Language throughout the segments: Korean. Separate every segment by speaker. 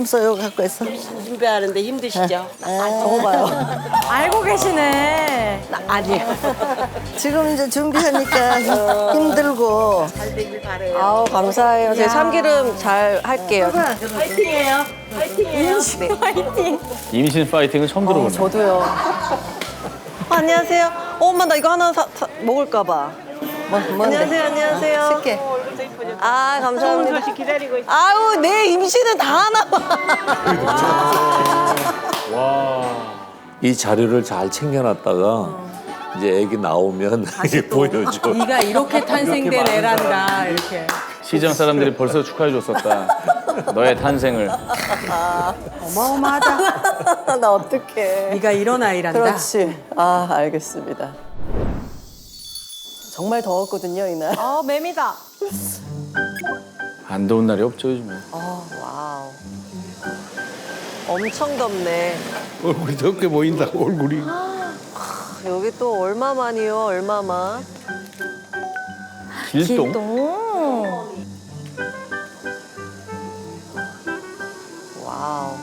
Speaker 1: 삼소 이거 갖고 있어.
Speaker 2: 준비하는데 힘드시죠?
Speaker 1: 먹어봐요.
Speaker 3: 알고 계시네.
Speaker 1: 아니요. 지금 이제 준비하니까 힘들고.
Speaker 2: 잘 되길 바래요.
Speaker 4: 아우 감사해요. 제 참기름 잘 할게요.
Speaker 2: 파이팅해요. 파이팅해요.
Speaker 5: 임신 파이팅은 처음 들어보네.
Speaker 4: 저도요. 안녕하세요. 엄마 나 이거 하나 먹을까 봐. 안녕하세요. 안녕하세요.
Speaker 1: 쉽게.
Speaker 4: 아
Speaker 2: 좋은
Speaker 4: 감사합니다.
Speaker 2: 소식 기다리고 있어요.
Speaker 4: 아우 내 임신은 다 하나 봐.
Speaker 5: 와.
Speaker 6: 이 자료를 잘 챙겨놨다가 이제 애기 나오면 이게 보여줘.
Speaker 3: 네가 이렇게 탄생된 애란다 이렇게.
Speaker 5: 시장 사람들이 벌써 축하해 줬었다. 너의 탄생을.
Speaker 3: 어마어마하다.
Speaker 4: 나 어떡해.
Speaker 3: 네가 이런 아이란다.
Speaker 4: 그렇지. 아 알겠습니다. 정말 더웠거든요 이날.
Speaker 3: 아 매미다.
Speaker 5: 안 더운 날이 없죠 요즘에.
Speaker 4: 와우. 엄청 덥네.
Speaker 6: 얼굴이 덥게 보인다, 얼굴이.
Speaker 4: 여기 또 얼마만이요? 얼마만?
Speaker 5: 길동.
Speaker 4: 와우.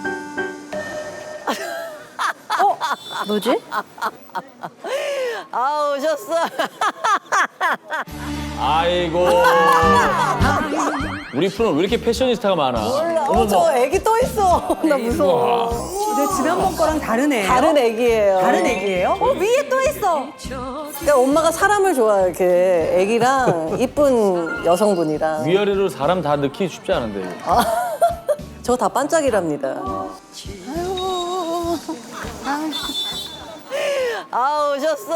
Speaker 3: 뭐지?
Speaker 4: 아 오셨어.
Speaker 5: 아이고. 우리 프로는 왜 이렇게 패셔니스타가 많아?
Speaker 4: 저 애기 또 있어. 나 무서워.
Speaker 3: 내 지난번 거랑 다른 애예요?
Speaker 4: 다른 애기예요.
Speaker 3: 다른 애기예요? 위에 또 있어.
Speaker 4: 그러니까 엄마가 사람을 좋아해. 이렇게 애기랑 이쁜 여성분이랑.
Speaker 5: 위아래로 사람 다 넣기 쉽지 않은데.
Speaker 4: 저 다 반짝이랍니다. 아 오셨어.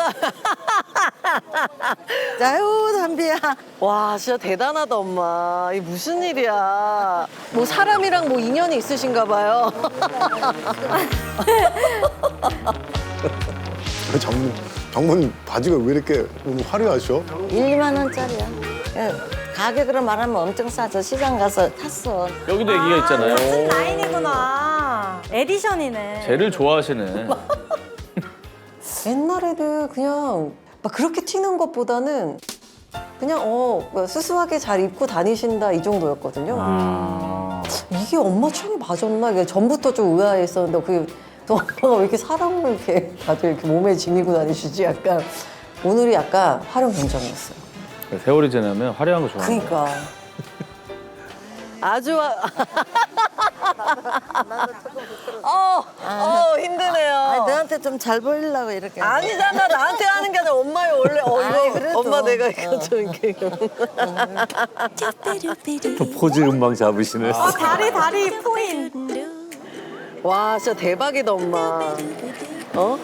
Speaker 1: 아유 담비야.
Speaker 4: 와 진짜 대단하다 엄마. 이게 무슨 일이야. 뭐 사람이랑 뭐 인연이 있으신가 봐요.
Speaker 7: 장모님 바지가 왜 이렇게 오늘 화려하셔?
Speaker 1: 1, 2만 원짜리야. 가격으로 말하면 엄청 싸죠. 시장 가서 탔어.
Speaker 5: 여기도 애기가 있잖아요.
Speaker 3: 라인이구나. 에디션이네.
Speaker 5: 쟤를 좋아하시네.
Speaker 4: 옛날에는 그냥 막 그렇게 튀는 것보다는 그냥 수수하게 잘 입고 다니신다 이 정도였거든요.
Speaker 5: 아.
Speaker 4: 이게 엄마 취향이 맞았나? 이게 전부터 좀 의아했었는데 그게 또 엄마가 왜 이렇게 사람을 이렇게 다들 이렇게 몸에 지니고 다니시지? 약간 오늘이 약간 활용 현장이었어요.
Speaker 5: 세월이 지나면 화려한 거 좋아하는 거야.
Speaker 4: 그러니까 아주 힘드네요.
Speaker 1: 아니, 너한테 좀 잘 보이려고 이렇게.
Speaker 4: 아니잖아 나한테 하는 게 아니라 엄마의 원래
Speaker 1: 아이,
Speaker 4: 이거
Speaker 1: 그래도.
Speaker 4: 엄마 내가 이거 좀 이렇게
Speaker 6: 또 포즈 음방 잡으시네.
Speaker 3: 다리 포인.
Speaker 4: 와 진짜 대박이다 엄마. 어?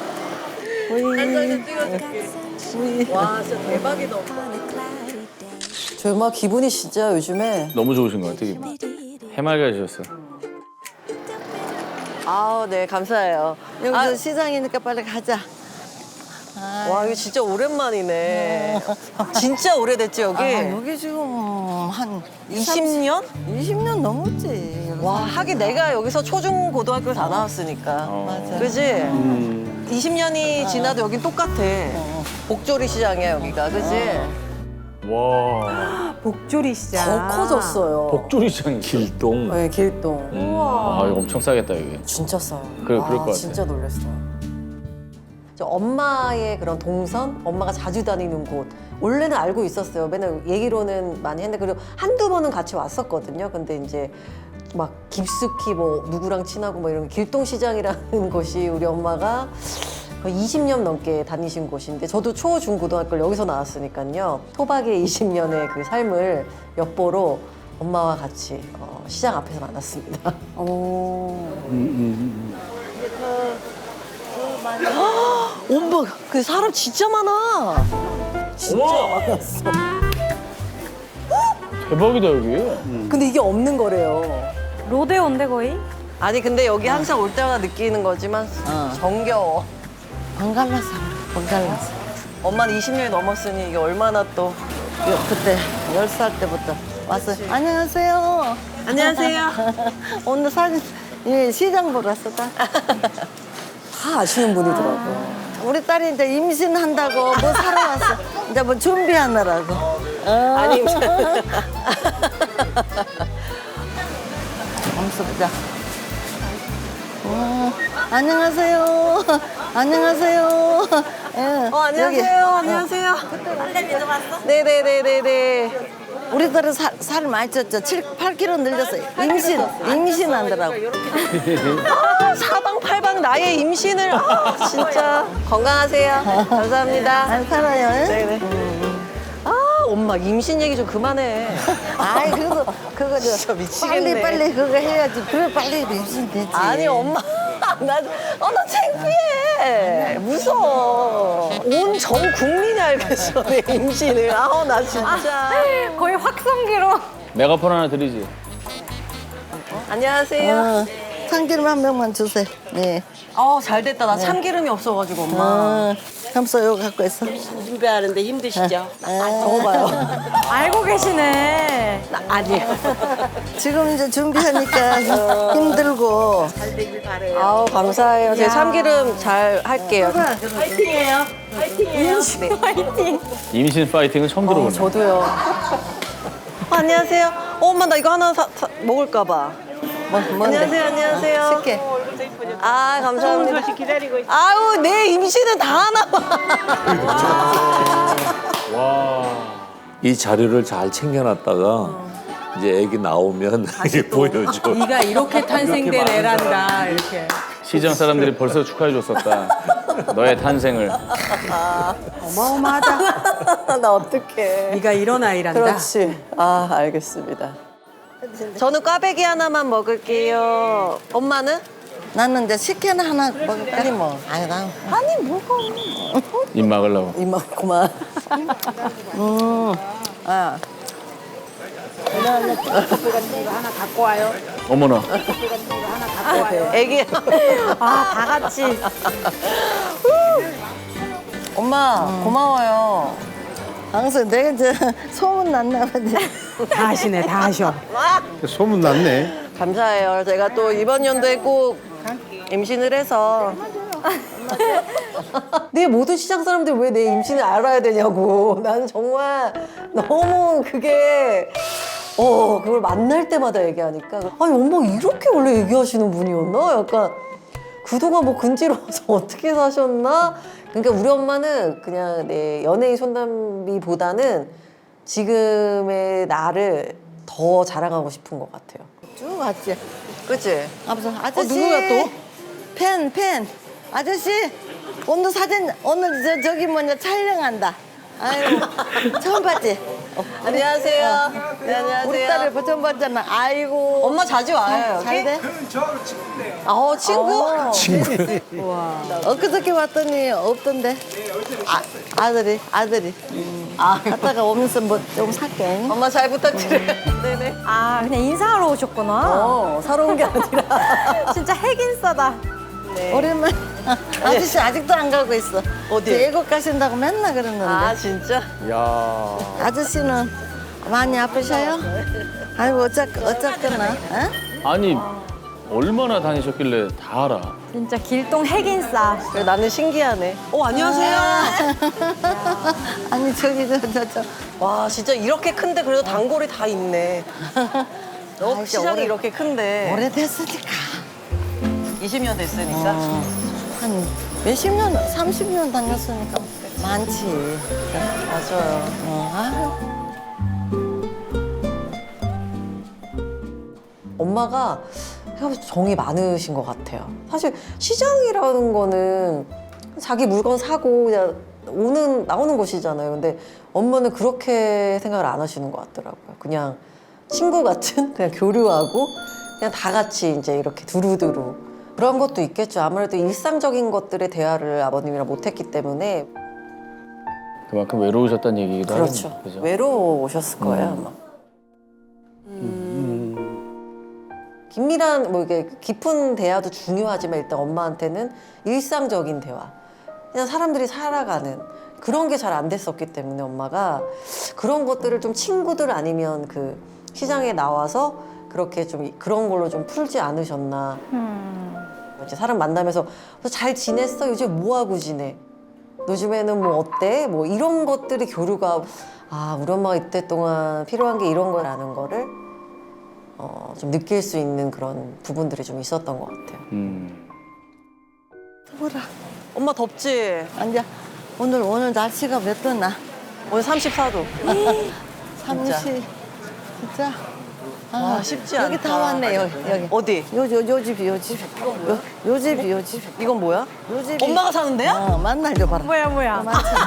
Speaker 4: 한장좀 찍어줄게. 와 진짜 대박이다 엄마. 저 엄마 기분이 진짜 요즘에
Speaker 5: 너무 좋으신 것 같아. 기분. 해맑아지셨어.
Speaker 4: 아우 네 감사해요.
Speaker 1: 여기서 시장이니까 빨리 가자.
Speaker 4: 와 이거 진짜 오랜만이네. 진짜 오래됐지 여기?
Speaker 1: 여기 지금 한
Speaker 4: 20년?
Speaker 1: 20년 넘었지.
Speaker 4: 와 하긴 내가 여기서 초중 고등학교를 다 나왔으니까.
Speaker 1: 맞아.
Speaker 4: 그지? 20년이 지나도 여긴 똑같아. 복조리 시장이야 여기가 그지?
Speaker 5: 와.
Speaker 3: 복조리 시장.
Speaker 4: 더 커졌어요.
Speaker 5: 복조리 시장이.
Speaker 6: 길동.
Speaker 4: 네 길동.
Speaker 5: 아 이거 엄청 싸겠다 이게.
Speaker 4: 진짜 싸요.
Speaker 5: 그럴 것 같아.
Speaker 4: 진짜 놀랐어요. 저 엄마의 그런 동선, 엄마가 자주 다니는 곳. 원래는 알고 있었어요. 맨날 얘기로는 많이 했는데 그리고 한두 번은 같이 왔었거든요. 근데 이제 막 깊숙이 뭐 누구랑 친하고 뭐 이런 길동시장이라는 곳이 우리 엄마가 거의 20년 넘게 다니신 곳인데 저도 초, 중, 고등학교를 여기서 나왔으니까요. 토박의 20년의 그 삶을 엿보러 엄마와 같이 시장 앞에서 만났습니다. 엄마, 그 사람 진짜 많아. 진짜 많았어.
Speaker 5: 대박이다 여기.
Speaker 4: 근데 이게 없는 거래요.
Speaker 3: 로데오인데 거의?
Speaker 4: 아니 근데 여기 항상 올 때마다 느끼는 거지만 정겨워.
Speaker 1: 번갈라서 번갈라서.
Speaker 4: 엄마는 20년이 넘었으니 이게 얼마나 또.
Speaker 1: 그때 10살 때부터 와서 안녕하세요.
Speaker 4: 안녕하세요.
Speaker 1: 오늘 사진 시장 보러 왔어. 다
Speaker 4: 아시는 분이더라고요.
Speaker 1: 우리 딸이 이제 임신한다고 뭐 사러 왔어. 이제 뭐 준비하느라고.
Speaker 4: 아니
Speaker 1: 앉아서 보자. 안녕하세요. 안녕하세요. 예,
Speaker 4: 안녕하세요. 안녕하세요. 네네네네네.
Speaker 1: 우리들은 살 많이 쪘죠. 7, 8kg 늘렸어요. 임신한다라고.
Speaker 4: 사방팔방 나의 임신을 진짜 건강하세요. 감사합니다.
Speaker 1: 살아요.
Speaker 4: 네네. 엄마 임신 얘기 좀 그만해.
Speaker 1: 아이 그래도 그거
Speaker 4: 진짜 미치겠네.
Speaker 1: 빨리 그거 해야지. 그래 빨리 임신되지.
Speaker 4: 아니 엄마 나 창피해. 무서워. 온 전 국민이 알겠어 내 임신을. 나 진짜.
Speaker 3: 거의 확성기로.
Speaker 5: 메가폰 하나 드리지.
Speaker 4: 안녕하세요.
Speaker 1: 참기름 한 명만 주세요. 네.
Speaker 4: 잘 됐다. 나 참기름이 없어가지고 엄마.
Speaker 1: 감사 이거 갖고 있어.
Speaker 2: 준비하는데 힘드시죠?
Speaker 4: 먹어봐요.
Speaker 3: 알고 계시네.
Speaker 4: 아니에요.
Speaker 1: 지금 이제 준비하니까 힘들고.
Speaker 2: 잘 되길 바래요.
Speaker 4: 감사해요. 제가 참기름 잘 할게요.
Speaker 2: 파이팅이에요. 파이팅이에요.
Speaker 5: 임신 파이팅은 처음 들어보네.
Speaker 4: 저도요. 안녕하세요. 엄마 나 이거 하나 먹을까 봐. 안녕하세요. 안녕하세요.
Speaker 1: 쉽게.
Speaker 4: 감사합니다.
Speaker 2: 소식 기다리고 있어요.
Speaker 4: 아우 내 임신은 다 하나 봐.
Speaker 6: 이 자료를 잘 챙겨놨다가 이제 애기 나오면 이게 보여줘.
Speaker 8: 네가 이렇게 탄생된 애란다 이렇게.
Speaker 5: 시장 사람들이 벌써 축하해 줬었다. 너의 탄생을.
Speaker 4: 어마어마하다. 나 어떡해.
Speaker 8: 네가 이런 아이란다.
Speaker 4: 그렇지. 알겠습니다. 저는 꽈배기 하나만 먹을게요. 엄마는?
Speaker 1: 나는 이제 식혜는 하나 먹어 빨리 먹어. 아니 나.
Speaker 4: 아니 뭐가.
Speaker 5: 입 막으려고.
Speaker 4: 이만 그만.
Speaker 5: 어머나.
Speaker 4: 애기.
Speaker 3: 다 같이.
Speaker 4: 엄마 고마워요.
Speaker 1: 항상 내가 이제 소문 났나 보지.
Speaker 8: 다 하시네, 다 하셔.
Speaker 7: 소문 났네.
Speaker 4: 감사해요. 제가 또 이번 연도에 꼭 임신을 해서. 내 모든 시장 사람들 왜 내 임신을 알아야 되냐고. 나는 정말 너무 그게 그걸 만날 때마다 얘기하니까 아니 엄마 이렇게 원래 얘기하시는 분이었나? 약간 그동안 뭐 근지러워서 어떻게 사셨나? 그러니까 우리 엄마는 그냥 내 연예인 손담비보다는 지금의 나를 더 자랑하고 싶은 것 같아요.
Speaker 1: 쭉 왔지.
Speaker 4: 그치?
Speaker 1: 아저씨.
Speaker 4: 누구야 또?
Speaker 1: 팬. 아저씨 오늘 사진 오늘 저기 뭐냐 촬영한다. 아유 처음 봤지?
Speaker 4: 안녕하세요. 네, 안녕하세요.
Speaker 1: 우리 딸을 처음 봤잖아. 아이고.
Speaker 4: 엄마 자주 와요. 여기?
Speaker 1: 잘 돼?
Speaker 4: 친구?
Speaker 7: 친구.
Speaker 1: 엊그저께 왔더니 없던데. 아들이. 갔다가 오면서 뭐 좀 살게.
Speaker 4: 엄마 잘 부탁드려요. 네네.
Speaker 3: 그냥 인사하러 오셨구나.
Speaker 4: 사러 온 게 아니라.
Speaker 3: 진짜 핵인싸다.
Speaker 1: 오랜만에. 아저씨 아직도 안 가고 있어.
Speaker 4: 어디?
Speaker 1: 외국 가신다고 맨날 그러는데.
Speaker 4: 진짜?
Speaker 5: 야.
Speaker 1: 아저씨는 많이 아프셔요? 아이고 어쨌거나. 어?
Speaker 5: 아니 얼마나 다니셨길래 다 알아.
Speaker 3: 진짜 길동 핵인싸.
Speaker 4: 그래, 나는 신기하네. 안녕하세요.
Speaker 1: 아니 저기 저.
Speaker 4: 와, 진짜 이렇게 큰데 그래도 단골이 다 있네.
Speaker 1: 아,
Speaker 4: 시장이 이렇게 큰데.
Speaker 1: 오래됐으니까.
Speaker 4: 20년 됐으니까.
Speaker 1: 한 몇십 년, 30년 다녔으니까 많지.
Speaker 4: 맞아요. 엄마가 생각보다 정이 많으신 것 같아요. 사실 시장이라는 거는 자기 물건 사고 그냥 나오는 곳이잖아요. 근데 엄마는 그렇게 생각을 안 하시는 것 같더라고요. 그냥 친구 같은 그냥 교류하고 그냥 다 같이 이제 이렇게 두루두루 그런 것도 있겠죠. 아무래도 일상적인 것들의 대화를 아버님이랑 못했기 때문에.
Speaker 5: 그만큼 외로우셨다는 얘기기도
Speaker 4: 그렇죠.
Speaker 5: 하겠네요. 그죠?
Speaker 4: 외로우셨을 거예요, 아마. 긴밀한 뭐 이게 깊은 대화도 중요하지만 일단 엄마한테는 일상적인 대화, 그냥 사람들이 살아가는 그런 게 잘 안 됐었기 때문에 엄마가 그런 것들을 좀 친구들 아니면 그 시장에 나와서 그렇게 좀 그런 걸로 좀 풀지 않으셨나. 이제 사람 만나면서 잘 지냈어? 요즘 뭐 하고 지내? 요즘에는 뭐 어때? 뭐 이런 것들이 교류가 우리 엄마가 이때 동안 필요한 게 이런 거라는 거를 좀 느낄 수 있는 그런 부분들이 좀 있었던 것 같아요. 엄마 덥지?
Speaker 1: 앉아. 오늘 날씨가 몇 도나?
Speaker 4: 오늘 34도.
Speaker 1: 30. 진짜.
Speaker 4: 와, 쉽지 않다.
Speaker 1: 여기 다 왔네, 여기.
Speaker 4: 어디?
Speaker 1: 요 집이, 요 집. 요 집이, 요 집.
Speaker 4: 이건 뭐야?
Speaker 1: 요 집이.
Speaker 4: 엄마가 사는데요?
Speaker 1: 만날 줘 봐라.
Speaker 3: 뭐야.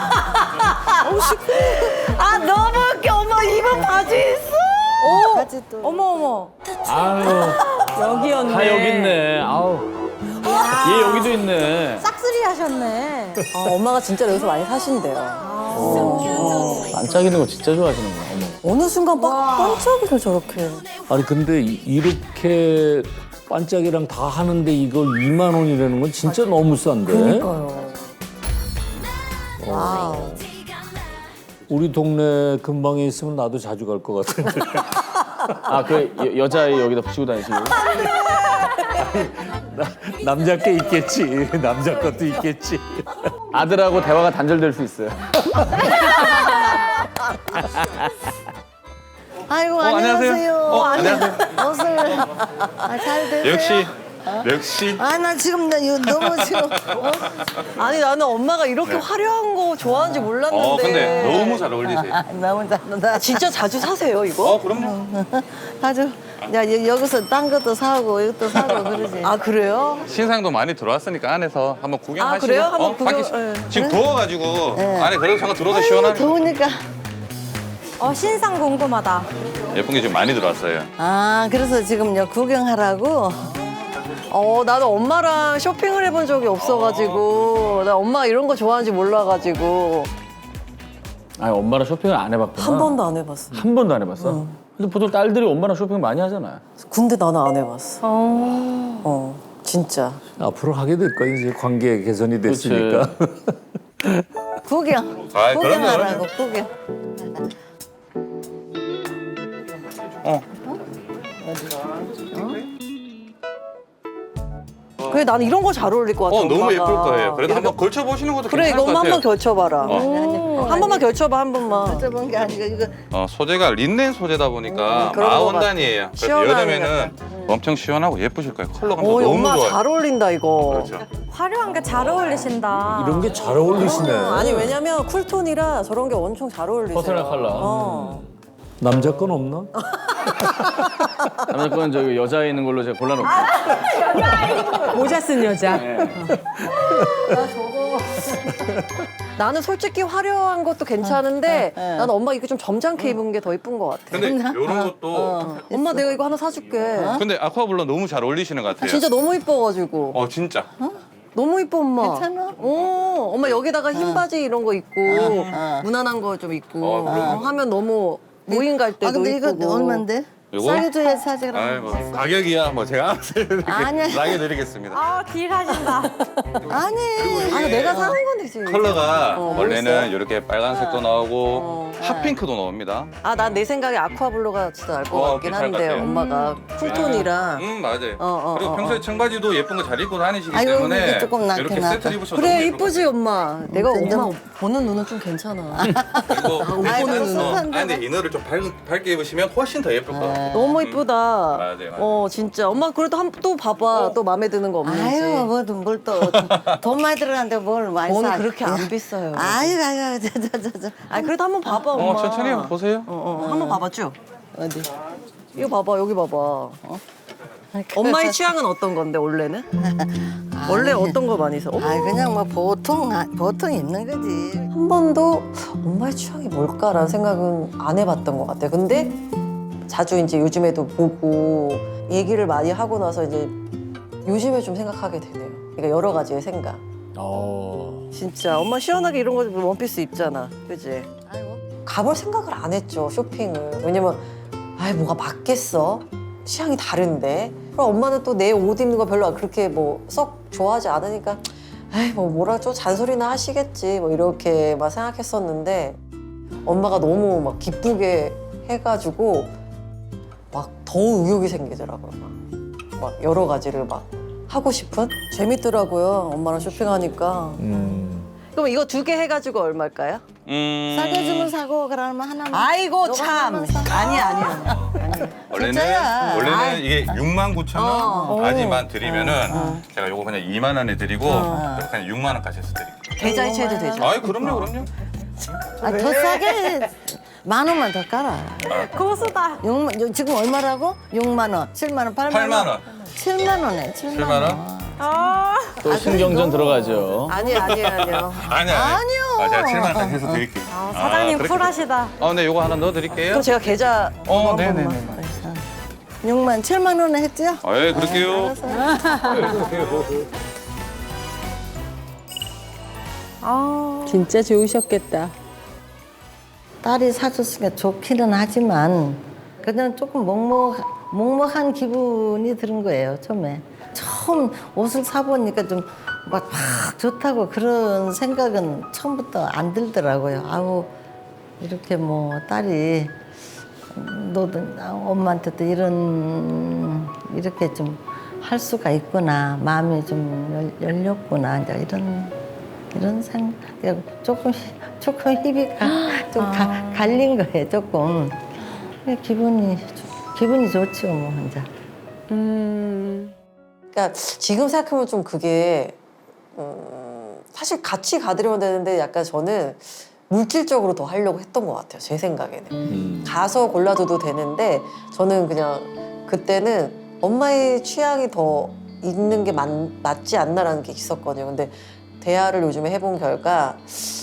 Speaker 4: 아 너무 웃겨. 엄마 이번 바지 있어.
Speaker 1: 같이 또.
Speaker 3: 어머.
Speaker 5: 아유,
Speaker 8: 여기였네.
Speaker 5: 다 여기 있네. 아우. 얘 여기도 있네.
Speaker 3: 싹쓸이 하셨네.
Speaker 4: 엄마가 진짜 여기서 많이 사신대요.
Speaker 5: 반짝이는 거 진짜 좋아하시는구나. 어머.
Speaker 4: 어느 순간 반짝이를 저렇게.
Speaker 6: 아니 근데 이렇게 반짝이랑 다 하는데 이걸 2만 원이라는 건 진짜 너무 싼데.
Speaker 4: 그러니까요.
Speaker 6: 우리 동네 근방에 있으면 나도 자주 갈 것 같은데.
Speaker 5: 아, 그 여자아이 여기다 붙이고 다니시고.
Speaker 6: 남자 게 있겠지. 남자 것도 있겠지.
Speaker 5: 아들하고 대화가 단절될 수 있어요.
Speaker 1: 아이고,
Speaker 9: 안녕하세요.
Speaker 1: 안녕하세요. 옷을. 잘 되세요?
Speaker 9: 역시.
Speaker 1: 나 지금 너무 지금.
Speaker 4: 아니 나는 엄마가 이렇게 화려한 거 좋아하는지 몰랐는데.
Speaker 9: 근데 너무 잘 어울리세요.
Speaker 1: 너무 잘한다.
Speaker 4: 진짜 자주 사세요 이거?
Speaker 9: 그럼요.
Speaker 1: 아주. 여기서 딴 것도 사고, 이것도 사고 그러지.
Speaker 4: 아 그래요?
Speaker 9: 신상도 많이 들어왔으니까 안에서 한번 구경하시고.
Speaker 4: 아, 그래요? 한번 구경-
Speaker 9: 밖에
Speaker 4: 예.
Speaker 9: 지금 더워가지고 안에 그래도 잠깐 들어도 시원하네.
Speaker 1: 더우니까.
Speaker 3: 신상 궁금하다.
Speaker 9: 예쁜 게 지금 많이 들어왔어요.
Speaker 1: 그래서 지금 구경하라고.
Speaker 4: 나는 엄마랑 쇼핑을 해본 적이 없어가지고 나 엄마 이런 거 좋아하는지 몰라가지고
Speaker 5: 아니, 엄마랑 쇼핑을 안 해봤구나.
Speaker 4: 한 번도 안 해봤어.
Speaker 5: 한 번도 안 해봤어? 근데 보통 딸들이 엄마랑 쇼핑 많이 하잖아요.
Speaker 4: 근데 나는 안 해봤어. 진짜.
Speaker 6: 앞으로 하게 될 거야 이제 관계 개선이 됐으니까.
Speaker 1: 구경.
Speaker 9: 아,
Speaker 1: 구경하라고, 구경.
Speaker 4: 그래 나는 이런 거 잘 어울릴 것 같아.
Speaker 9: 너무
Speaker 4: 엄마가.
Speaker 9: 예쁠 거예요. 그래도
Speaker 4: 이렇게-
Speaker 9: 한번 걸쳐보시는 것도
Speaker 4: 그래
Speaker 9: 괜찮을
Speaker 4: 이거
Speaker 9: 것
Speaker 4: 엄마
Speaker 9: 같아요.
Speaker 4: 한번 걸쳐봐라. 한 번만 걸쳐봐 한 번만.
Speaker 1: 저번 게 아니고, 이거.
Speaker 9: 소재가 린넨 소재다 보니까
Speaker 4: 그런 거
Speaker 9: 마원단이에요. 그래서
Speaker 4: 시원하네,
Speaker 9: 여름에는 엄청 시원하고 예쁘실 거예요. 컬러감도
Speaker 4: 오
Speaker 9: 너무
Speaker 4: 엄마
Speaker 9: 좋아요.
Speaker 4: 잘 어울린다 이거.
Speaker 9: 그렇죠.
Speaker 3: 화려한 게 잘 어울리신다.
Speaker 6: 이런 게 잘 어울리시네.
Speaker 4: 아니 왜냐면 쿨톤이라 저런 게 엄청 잘 어울리세요.
Speaker 5: 퍼스널 컬러.
Speaker 6: 남자 건 없나?
Speaker 5: 남자 건 저기 여자애 있는 걸로 제가 골라놓고.
Speaker 8: 모자 쓴 여자.
Speaker 4: 나는 솔직히 화려한 것도 괜찮은데 나는 엄마 이거 좀 점잖게 입은 게 더 이쁜 것 같아.
Speaker 9: 근데 이런 것도
Speaker 4: 엄마 내가 이거 하나 사줄게.
Speaker 9: 근데 아쿠아블루 너무 잘 어울리시는 것 같아요.
Speaker 4: 진짜 너무 이뻐가지고.
Speaker 9: 진짜.
Speaker 4: 너무 이뻐 엄마.
Speaker 1: 괜찮아?
Speaker 4: 엄마 여기다가 흰 바지 이런 거 입고 무난한 거 좀 입고 하면 너무 모임 갈 때도
Speaker 1: 근데 이거
Speaker 4: 이쁘고.
Speaker 1: 얼만데?
Speaker 9: 요거?
Speaker 1: 싸게 줘야 사지, 그럼.
Speaker 9: 아이 뭐 가격이야 뭐 제가
Speaker 1: 아니야.
Speaker 9: 싸게 드리겠습니다.
Speaker 3: 딜하신다.
Speaker 1: 아니.
Speaker 4: 아니 내가 사는 건 되지.
Speaker 9: 컬러가
Speaker 4: 뭐
Speaker 9: 원래는
Speaker 4: 있어요?
Speaker 9: 이렇게 빨간색도 나오고 핫핑크도 나옵니다.
Speaker 4: 난 내 생각에 아쿠아블루가 진짜 나을 것 같긴
Speaker 9: 괜찮을 것
Speaker 4: 한데
Speaker 9: 같아요.
Speaker 4: 엄마가 쿨톤이라.
Speaker 9: 맞아요. 그리고 평소에 청바지도 예쁜 거 잘 입고 다니시기
Speaker 1: 아이고,
Speaker 9: 때문에
Speaker 1: 이게 조금 낫긴
Speaker 9: 이렇게
Speaker 1: 하다.
Speaker 9: 세트 입으셔도
Speaker 4: 그래
Speaker 9: 너무 예쁠 것
Speaker 4: 이쁘지 엄마. 내가
Speaker 1: 완전-
Speaker 4: 엄마 보는 눈은 좀 괜찮아.
Speaker 9: 같아요.
Speaker 1: 아이고,
Speaker 9: 그리고
Speaker 1: 습한데.
Speaker 9: 안에 이너를 좀 밝게 입으시면 훨씬 더 예쁠 것 같아요.
Speaker 4: 너무 이쁘다.
Speaker 9: 맞아요.
Speaker 4: 진짜 엄마 그래도 또 봐봐 또 마음에 드는 거 없는지.
Speaker 1: 아유, 뭘 또. 돈 많이 들어가는데 뭘 많이
Speaker 4: 돈은
Speaker 1: 사.
Speaker 4: 그렇게 안 비싸요.
Speaker 1: 아유, 저.
Speaker 4: 그래도 한번 봐봐 엄마.
Speaker 9: 천천히 보세요.
Speaker 4: 한번 봐봐 쭉.
Speaker 1: 어디?
Speaker 4: 이거 봐봐 여기 봐봐. 엄마의 취향은 어떤 건데 원래는? 원래 어떤 거 많이 사?
Speaker 1: 그냥 뭐 보통 입는 거지.
Speaker 4: 한 번도 엄마의 취향이 뭘까라는 생각은 안 해봤던 것 같아요. 근데 자주 이제 요즘에도 보고 얘기를 많이 하고 나서 이제 요즘에 좀 생각하게 되네요. 그러니까 여러 가지의 생각. 진짜 엄마 시원하게 이런 거 원피스 입잖아, 그지?
Speaker 1: 아이고.
Speaker 4: 가볼 생각을 안 했죠 쇼핑을. 왜냐면 뭐가 맞겠어? 취향이 다른데. 그럼 엄마는 또 내 옷 입는 거 별로 그렇게 뭐 썩 좋아하지 않으니까 뭐 뭐라 좀 잔소리나 하시겠지 뭐 이렇게만 생각했었는데 엄마가 너무 막 기쁘게 해가지고 막 더 의욕이 생기더라고요. 막 여러 가지를 막 하고 싶은? 재밌더라고요 엄마랑 쇼핑하니까. 그럼 이거 2개 해가지고 얼마일까요?
Speaker 1: 싸게 주면 사고, 그러면 하나만.
Speaker 4: 아이고
Speaker 1: 요거
Speaker 4: 참.
Speaker 1: 하나만 사.
Speaker 4: 아니야.
Speaker 1: 진짜야.
Speaker 9: 원래는 이게 69,000원까지만 드리면은 제가 요거 그냥 2만 원에 드리고 그냥 6만 원까지 해서 드릴게요.
Speaker 4: 계좌이체해도 되죠?
Speaker 9: 아이 그럼요.
Speaker 1: 더 싸게 10,000원만 더 깔아.
Speaker 3: 고수다.
Speaker 1: 6만, 지금 얼마라고? 6만 원, 7만 원, 8만 원.
Speaker 9: 8만 원.
Speaker 1: 7만 원에 7만
Speaker 9: 7만 원?
Speaker 6: 또 신경전 들어가죠.
Speaker 4: 아니요.
Speaker 9: 아니요. 제가 7만 원까지 해서 드릴게요.
Speaker 3: 사장님
Speaker 9: 그렇게-
Speaker 3: 쿨하시다.
Speaker 9: 네, 요거 하나 넣어드릴게요.
Speaker 4: 그럼 제가 계좌
Speaker 9: 네네네.
Speaker 1: 6만 7만 원에 했죠?
Speaker 9: 예, 그럴게요.
Speaker 8: 진짜 좋으셨겠다.
Speaker 1: 딸이 사줬으니까 좋기는 하지만 그냥 조금 먹먹한 기분이 드는 거예요, 처음에. 처음 옷을 사보니까 좀 막 좋다고 그런 생각은 처음부터 안 들더라고요. 아우, 이렇게 뭐 딸이 너도 엄마한테도 이렇게 좀 할 수가 있구나. 마음이 좀 열렸구나. 이제 이런 생각. 조금 힘이 갈린 거예요, 조금. 기분이 좋죠, 뭐, 혼자.
Speaker 4: 그러니까 지금 생각하면 좀 그게 사실 같이 가드려야 되는데 약간 저는 물질적으로 더 하려고 했던 것 같아요. 제 생각에는. 가서 골라줘도 되는데 저는 그냥 그때는 엄마의 취향이 더 있는 게 맞지 않나라는 게 있었거든요. 근데 대화를 요즘에 해본 결과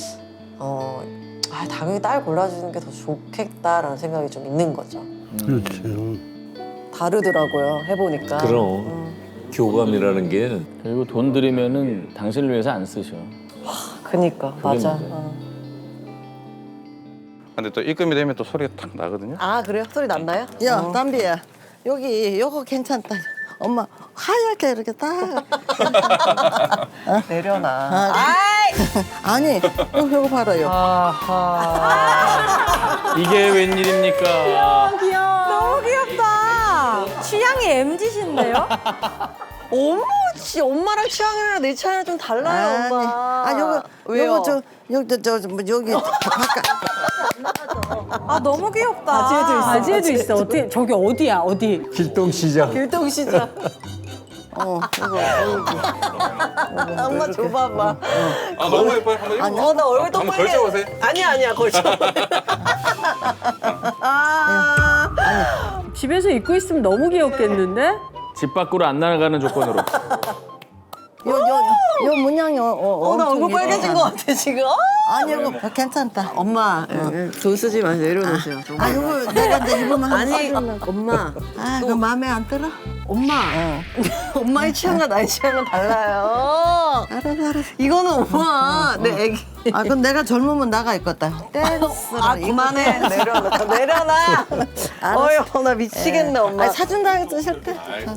Speaker 4: 당연히 딸 골라주는 게 더 좋겠다라는 생각이 좀 있는 거죠.
Speaker 7: 그렇지.
Speaker 4: 다르더라고요. 해보니까.
Speaker 6: 그럼 교감이라는 게
Speaker 5: 그리고 돈 들이면은 당신을 위해서 안 쓰셔.
Speaker 4: 그니까 맞아.
Speaker 5: 문제야.
Speaker 9: 근데 또 입금이 되면 또 소리가 탁 나거든요.
Speaker 4: 아 그래요? 소리 났나요?
Speaker 1: 야, 담비야. 요거 괜찮다. 엄마 하얗게 이렇게 딱.
Speaker 4: 내려놔.
Speaker 1: 아니, 요거 봐라요.
Speaker 5: 이게 웬일입니까?
Speaker 3: 너무 귀엽다. 취향이 MZ신데요?
Speaker 4: 어머, 씨, 엄마랑 취향이랑 내 취향이랑 좀 달라요, 엄마. 왜요?
Speaker 1: 여기 바깥.
Speaker 3: 너무 귀엽다.
Speaker 8: 바지에도 있어. 어떻게 저기 어디야? 어디?
Speaker 6: 길동시장.
Speaker 4: 길동시장. 엄마 줘봐봐.
Speaker 9: 너무 예뻐요. 한번 입어.
Speaker 4: 나 얼굴
Speaker 9: 한번 걸쳐보세요.
Speaker 4: 아니야, 걸쳐.
Speaker 8: 집에서 입고 있으면 너무 귀엽겠는데?
Speaker 5: 집 밖으로 안 나가는 조건으로.
Speaker 1: 요 문양이
Speaker 4: 나 얼굴 빨개진 것 같아, 지금.
Speaker 1: 아니, 이거 괜찮다.
Speaker 4: 엄마, 돈 쓰지 마세요. 내려놓으세요.
Speaker 1: 요거 내가 이제 입으면
Speaker 4: 아니, 엄마.
Speaker 1: 그거 마음에 안 들어?
Speaker 4: 엄마. 엄마의 취향과 나의 취향은 달라요.
Speaker 1: 알았어.
Speaker 4: 이거는 엄마, 내 애기.
Speaker 1: 그럼 내가 젊으면 나가 있겠다. 댄스를.
Speaker 4: 그만해. 내려놔. 어휴, 나 미치겠네, 엄마.
Speaker 1: 사준다 해도 싫대.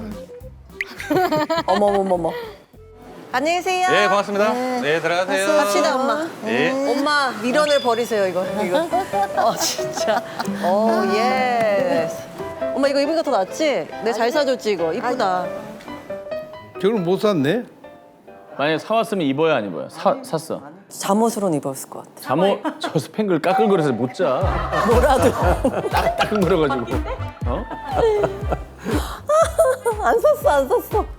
Speaker 4: 어머머머머. 안녕히 계세요.
Speaker 9: 예, 고맙습니다. 네, 들어가세요.
Speaker 4: 갑시다, 엄마.
Speaker 9: 예.
Speaker 4: 엄마, 미련을 버리세요, 이거. 진짜. 예스. 엄마, 이거 입으니까 더 낫지? 내가 잘 사줬지, 이거. 이쁘다.
Speaker 7: 저걸 못 샀네?
Speaker 5: 만약에 사왔으면 입어야 안 입어요? 샀어.
Speaker 4: 잠옷으로는 입었을 것 같아.
Speaker 5: 잠옷 저 스팽글 까끌거려서 못 자.
Speaker 4: 뭐라도.
Speaker 5: 따끔거려가지고. 어?
Speaker 4: 안 샀어.